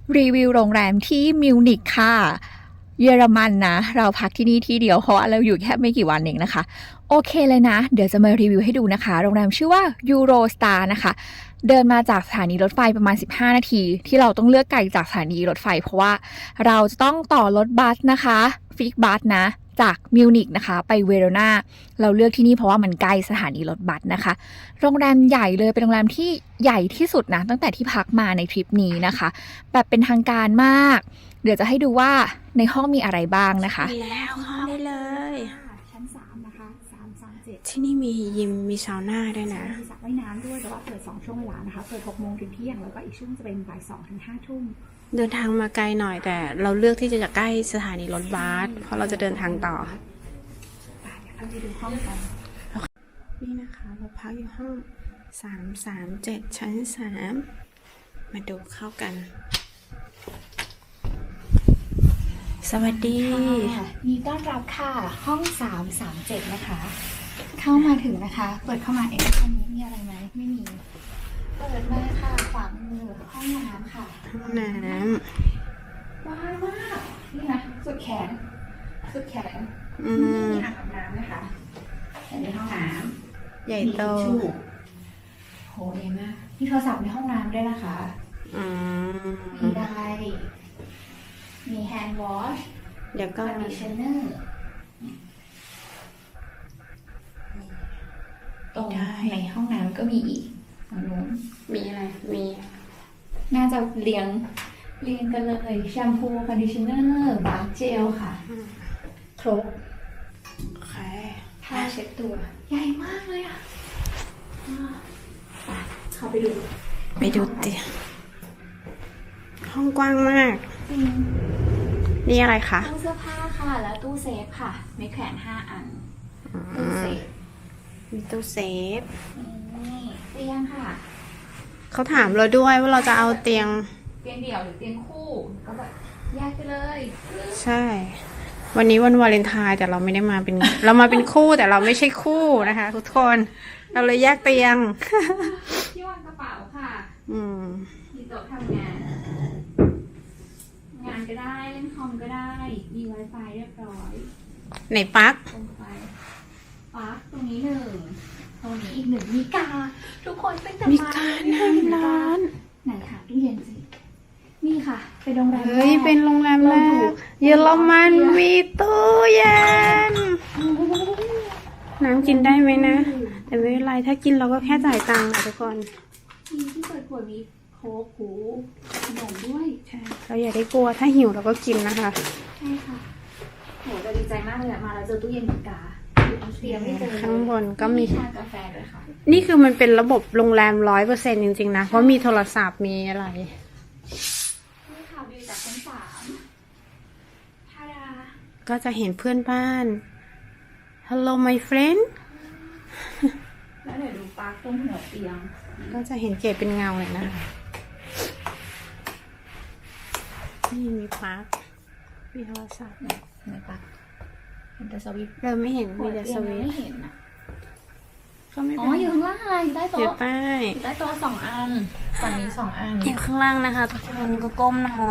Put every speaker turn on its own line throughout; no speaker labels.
รีวิวโรงแรมที่มิวนิกค่ะเยอรมันนะเราพักที่นี่ที่เดียวเพราะว่าเราอยู่แค่ไม่กี่วันเองนะคะโอเคเลยนะเดี๋ยวจะมารีวิวให้ดูนะคะโรงแรมชื่อว่า Eurostar นะคะเดินมาจากสถานีรถไฟประมาณ15นาทีที่เราต้องเลือกไกลจากสถานีรถไฟเพราะว่าเราจะต้องต่อรถบัสนะคะฟิกบัสนะจากมิวนิกนะคะไปเวโรนาเราเลือกที่นี่เพราะว่ามันใกล้สถานีรถบัสนะคะโรงแรมใหญ่เลยเป็นโรงแรมที่ใหญ่ที่สุดนะตั้งแต่ที่พักมาในทริปนี้นะคะแบบเป็นทางการมากเดี๋ยวจะให้ดูว่าในห้องมีอะไรบ้างนะคะ
มีแล้วเข้าได้เลย
ชั้น3นะคะ337
ที่นี่มียิมมีซาวน่าด้วยนะ
มีสระว่ายน้ำด้วยแต่ว่าเปิด2ช่วงเวลานะคะเปิด6 โมงถึงเที่ยงแล้วก็อีกช่วงจะเป็นบ่าย2 ถึง 5 ทุ่ม
เดินทางมาไกลหน่อยแต่เราเลือกที่จะใกล้สถานีรถบัสเพราะเราจะเดินทางต่อ
เดี๋ยวเราไปดูห้องกัน
นี่นะคะเราพักอยู่ห้อง337ชั้น3มาดูเข้ากัน สวัสดี
มีต้อนรับค่ะห้อง337นะคะเข้ามาถึงนะคะเปิดเข้ามาห้องนี้มีอะไรไหมไม่มีเปิดมาค่ะขวามือห้องน้ำค่ะ
ห้องน้
ว้าวมากนี่นะสุดแขนสุดแขน
ำอื
นี่
ม
มีอ่างอาบน้ำนะคะแต่ในห้องน้ำ
ใหญ่โต
มีทิชชู่โหใหญ่มากมีโทรศัพท์ในห้องน้ำด้วยนะคะ
อื
มี
ม
ไดร์มีแฮนด์วอช
เดี๋ยวก็
คอนดิชเนอร์ตรงในห้องน้ำก็มีอีกฝั่งนู้น
มีอะไรมี
น่าจะเรียงกันเลยแชมพูคอนดิชเนอร์บาร์เจลค่ะครบ
โอเค
ผ้าเช็ดตัว ใหญ่มากเลยอ่ะเข้าไปดู
ไปดูเตียงห้องกว้างมาก
จริง
นี่อะไรคะ
ตู้เสื้อผ้าค่ะ แล้วตู้เซฟค่ะไม่แขวน5 อันตู้เซฟ
มีตู้เซฟ
นี่เตียงค่ะ
เขาถามเราด้วยว่าเราจะเอาเตียง
เตียงเดี่ยวหรือเตียงคู่ก็แบบแยกไปเลย
ใช่ วันนี้วันวาเลนไทน์แต่เราไม่ได้มาเป็น เรามาเป็นคู่แต่เราไม่ใช่คู่นะคะทุกคน เราเลยแยกเตียง
ที่วางกระเป๋าค่ะ
อืม
มีโต๊ะทำงาน งานก็ได้เล่นคอมก็ได้ มี Wi-Fi เรียบร้อย
ไหนปลั๊ก
ตรงไฟปลั๊กตรงนี้1ตรงนี้อีก1มีกา ทุกคนเป็นแต่
มีการให้ร้าน
ไหนค่ะตู้เย็นสินี่ค่ะ เป็นโรงแรม
เฮ้ย
แรก
เป็นโรงแรมแร
เราอยู่
กเยอรมันมีตู้เย็น น้ำกินได้ไหมนะ แต่ไม่เป็นไรถ้ากินเราก็แค่จ่ายตังค์อะทุกคน
มีที่เปิดขวดมีโค้กหูขนมด้วย
ใช่ เราอย่าได้กลัวถ้าหิวเราก็กินนะคะ
ใช่ค่ะโหเราดีใจมากเลยอะมาแล้วเจอตู้เย็นเหมือนกาเตรียมไม่เจอเลย
ข้างบนก็มี
ชากาแฟด้วยค่ะ
นี่คือมันเป็นระบบโรงแรม100%จริงๆนะ เพราะมีโทรศัพท์มีอะไร
นี่ค่ะวิวจากชั้น3ทาดา
ก็จะเห็นเพื่อนบ้าน Hello my friend
แล้วเดี๋ยวดูปลั๊กตรงหัวเตียง
ก็จะเห็นเกดเป็นเงาเลยนะคะนี่มีปลั๊กมีโทรศัพท์
ในปลั๊กเห็นแต่สวิตช์
เราไม่เห็น
หั
มี
ว
แต่
เตี
ส
ยง
วิต
ไม่
ช์
เห็นอะ
ก็ไม่
อ๋
เป็
อน อยู่ข้างล่างอะไรอยู่ใต้
เดี๋ยว
โต๊ะ
ป้าย
อยู่ใต้โต๊ะ2 อันฝั่งนี้2 อัน
อยู่ข้างล่างนะคะทุกคนก็ก้มหน่อย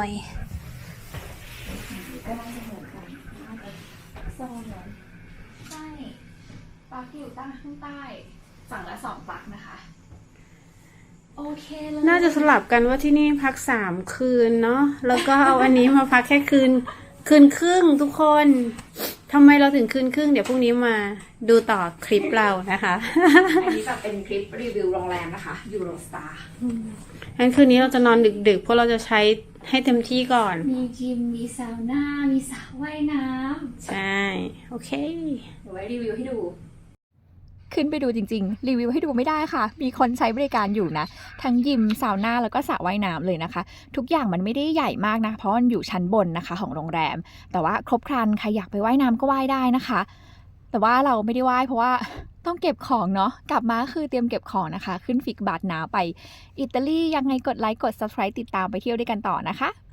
ก็น่าจะเหมือนกันน่าจะโซนเหมือนใช่ปลั๊กอยู่ใต้ข้างใต้ฝั่งละ2 ปลั๊กนะคะ โอเคเลย
น่าจะสลับกันว่าที่นี่พัก3 คืนเนาะแล้วก็เอาอันนี้มาพักแค่คืนครึ่งทุกคนทำไมเราถึงคืนครึ่งเดี๋ยวพรุ่งนี้มาดูต่อคลิปเรานะคะ
อันนี้แบบเป็นคลิปรีวิวโรงแรมนะคะ Eurostar
งั้นคืนนี้เราจะนอนดึกๆเพราะเราจะใช้ให้เต็มที่ก่อน
มีจิม มีซาวน่า มีสระว่ายน้
ใช่ โอเค
ำเดี๋ยวไว้รีวิวให้ดู
ขึ้นไปดูจริงๆ รีวิวให้ดูไม่ได้ค่ะ มีคนใช้บริการอยู่นะ ทั้งยิมซาวน่าแล้วก็สระว่ายน้ำเลยนะคะ ทุกอย่างมันไม่ได้ใหญ่มากนะ เพราะมันอยู่ชั้นบนนะคะของโรงแรม แต่ว่าครบครันใครอยากไปว่ายน้ำก็ว่ายได้นะคะ แต่ว่าเราไม่ได้ว่ายเพราะว่าต้องเก็บของเนาะ กลับมาคือเตรียมเก็บของนะคะ ขึ้นฟิกบัตรนาไปอิตาลียังไงกดไลค์กด subscribe ติดตามไปเที่ยวด้วยกันต่อนะคะ